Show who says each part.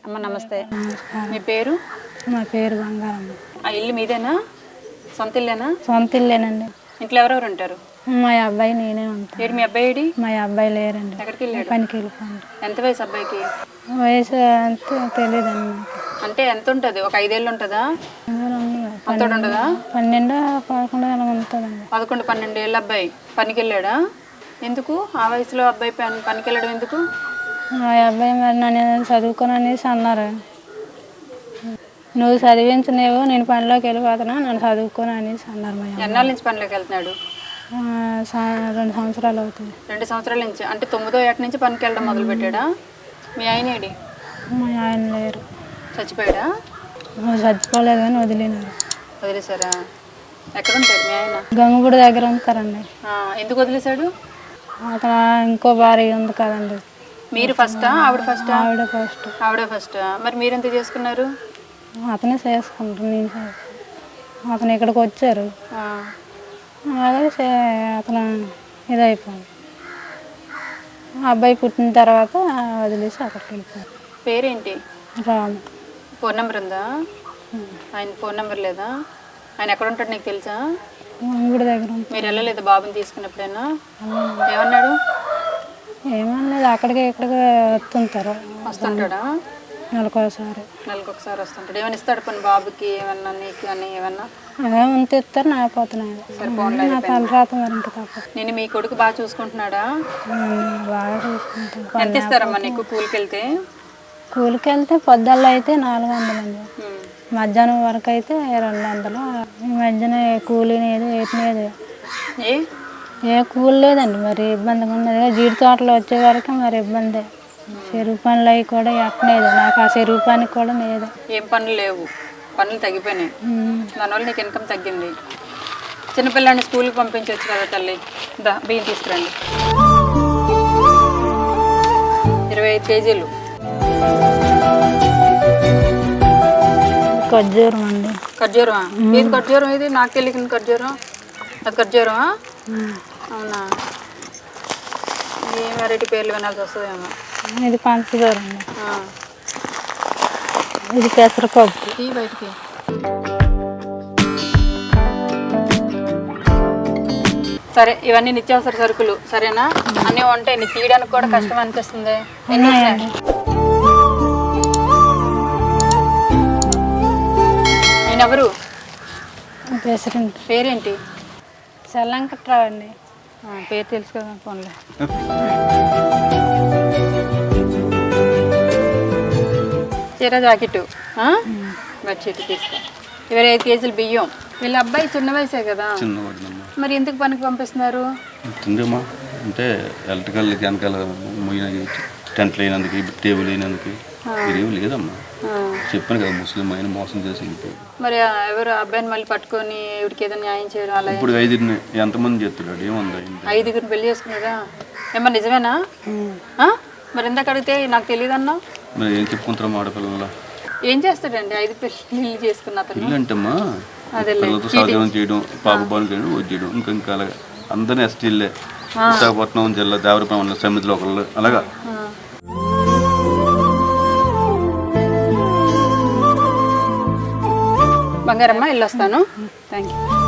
Speaker 1: అమ్మ నమస్తే. మీ పేరు?
Speaker 2: మా పేరు బంగారమ్మ.
Speaker 1: ఆ ఇల్లు మీదేనా? సొంత ఇల్లేనా?
Speaker 2: సొంత ఇల్లేనండి.
Speaker 1: ఇంట్లో ఎవరెవరు ఉంటారు?
Speaker 2: మా అబ్బాయి నేనే ఉంటాను.
Speaker 1: ఏడు మీ అబ్బాయి ఏడి?
Speaker 2: మా అబ్బాయి లేరండి.
Speaker 1: ఎక్కడికి వెళ్ళాడు?
Speaker 2: పనికి వెళ్ళిపోండి.
Speaker 1: ఎంత వయసు అబ్బాయికి?
Speaker 2: వయసు అంతే తెలియదండి నాకు.
Speaker 1: అంటే ఎంత ఉంటుంది? ఒక 5 ఏళ్ళు ఉంటుందా? అంత ఉండదా?
Speaker 2: 12, 11 అలా ఉంటుందండి.
Speaker 1: 11, 12 ఏళ్ళ అబ్బాయి పనికి వెళ్ళాడా? ఎందుకు ఆ వయసులో అబ్బాయి పనికి వెళ్ళడం ఎందుకు?
Speaker 2: మా అబ్బాయి మరి నన్ను చదువుకొని అనేసి అన్నారు. నువ్వు చదివించలేవు, నేను పనిలోకి వెళ్ళిపోతున్నా, నన్ను చదువుకొని అనేసి అన్నారు. మా
Speaker 1: ఎన్నాళ్ళ నుంచి పనిలోకి వెళ్తున్నాడు?
Speaker 2: 2 సంవత్సరాలు అవుతుంది.
Speaker 1: 2 సంవత్సరాల నుంచి. అంటే 9వ ఏట నుంచి పనికి వెళ్ళడం మొదలు పెట్టాడా? మీ ఆయన ఏడి?
Speaker 2: మా ఆయన లేరు.
Speaker 1: చచ్చిపోయాడా?
Speaker 2: చచ్చిపోలేదు కానీ వదిలినారు.
Speaker 1: వదిలేశారా? ఎక్కడ ఉంటాడు మీ ఆయన?
Speaker 2: గంగుగుడి దగ్గర ఉంటారండి.
Speaker 1: ఎందుకు వదిలేశాడు?
Speaker 2: అక్కడ ఇంకో భార్య ఉంది కదండి.
Speaker 1: మీరు ఫస్టా ఆవిడ ఫస్టా?
Speaker 2: ఆవిడ ఫస్ట్.
Speaker 1: ఆవిడే ఫస్ట్. మరి మీరెంత చేసుకున్నారు?
Speaker 2: అతనే చేసుకుంటారు, నేను చేసుకుంటాను. అతను ఇక్కడికి వచ్చారు, అలాగే అతను ఇదైపోయింది. అబ్బాయి పుట్టిన తర్వాత వదిలేసి అక్కడికి వెళ్ళిపోయారు.
Speaker 1: పేరేంటి?
Speaker 2: రాము.
Speaker 1: ఫోన్ నెంబర్ ఉందా? ఆయన ఫోన్ నెంబర్ లేదా? ఆయన ఎక్కడ ఉంటాడు నీకు తెలుసా?
Speaker 2: గుడి దగ్గర.
Speaker 1: మీరు వెళ్ళలేదు బాబుని తీసుకున్నప్పుడైనా? ఏమన్నాడు?
Speaker 2: ఏమన్నది, అక్కడికి ఇక్కడికి వస్తుంటారు.
Speaker 1: వస్తుంటాడా?
Speaker 2: నెలకొకసారి.
Speaker 1: నెలకొకసారి వస్తుంటాడు. ఏమైనా ఇస్తాడు పని బాబుకి? ఏమన్నా నీకు అని ఏమన్నా?
Speaker 2: అదే ఉంటే ఇస్తారు, నాపోతున్నాయి. నా తలరాత మరి ఇంకా తప్ప.
Speaker 1: నేను మీ కొడుకు బాగా చూసుకుంటున్నాడా?
Speaker 2: బాగా చూసుకుంటాను.
Speaker 1: ఎంత ఇస్తారమ్మా నీకు కూలికి వెళ్తే?
Speaker 2: కూలికి వెళ్తే పొద్దుల్లో అయితే 400 అండి, మధ్యాహ్నం వరకు అయితే 200. ఈ మధ్యన కూలి లేదు, ఏటినేది ఏ కూలి లేదండి. మరి ఇబ్బందిగా ఉన్నది. జీడి తోటలో వచ్చే వరకు మరి ఇబ్బంది. చెరువు పనులు అవి కూడా ఎట్టలేదు. నాకు ఆ చెరువు పనికి కూడా లేదు.
Speaker 1: ఏం పనులు లేవు, పనులు తగ్గిపోయినాయి. దానివల్ల నీకు ఇన్కమ్ తగ్గింది. చిన్నపిల్లాన్ని స్కూల్కి పంపించవచ్చు కదా తల్లి. బియ్యం తీసుకురండి. 25 కేజీలు
Speaker 2: ఖర్జూరం అండి.
Speaker 1: ఖర్జూరమా? ఏది ఖర్జూరం? ఇది నాకు తెలియదు. ఖర్జూరం అది ఖర్జూరమా? అవునా? ఏ వెరైటీ పేర్లు వినాల్సి వస్తుందేమో.
Speaker 2: ఇది పంచదార అండి. ఇది పెసరపప్పు.
Speaker 1: ఈ బయటికి సరే, ఇవన్నీ నిత్యావసర సరుకులు సరేనా? అన్నీ ఉంటాయి. నీకు తీయడానికి కూడా కష్టం అనిపిస్తుంది. నేను ఎవరు?
Speaker 2: ప్రెసిడెంట్.
Speaker 1: పేరేంటి?
Speaker 2: చల్లంకట్రావు అండి.
Speaker 1: పేరు తెలుసు కదా, ఫోన్లో. చీర జాకెట్ బెడ్షీట్ తీసుకో. 25 కేజీలు బియ్యం. వీళ్ళ అబ్బాయి చిన్న వయసే కదా, మరి ఎందుకు పనికి పంపిస్తున్నారు?
Speaker 3: అంటే ఎలక్ట్రికల్ వెనకాల టెంట్లు అయినందుకు, టేబుల్ అయినందుకు లేదమ్మా. చెప్పాను కదా, ముస్లిం ఆయన మోసం చేసి.
Speaker 1: మరి ఎవరు అబ్బాయిని మళ్ళీ పట్టుకొని ఇవిడికి ఏదో న్యాయం చేయడం అలా?
Speaker 3: ఇప్పుడు 5 ఎంతమంది చేస్తున్నాడు? ఏముంది?
Speaker 1: 5 పెళ్లి చేసుకున్నారా? ఏమన్నా నిజమేనా? మరి ఎందుకు అడిగితే నాకు తెలియదు అన్నా?
Speaker 3: మరి ఏం చెప్పుకుంటారా ఆడపిల్లల?
Speaker 1: ఏం చేస్తాడండి 5 పెళ్లి చేసుకున్న అతను?
Speaker 3: ఇల్లు అంటమ్మా, పిల్లలతో సహజీవనం చేయడం, పాప బాలు చేయడం, వచ్చేయడం. ఇంకా అలాగా అందరినీ ఎస్టీలే. విశాఖపట్నం జిల్లా దేవరపల్లి సమితిలో ఒకళ్ళు అలాగా.
Speaker 1: బంగారమ్మ, వెళ్ళొస్తాను. Thank you.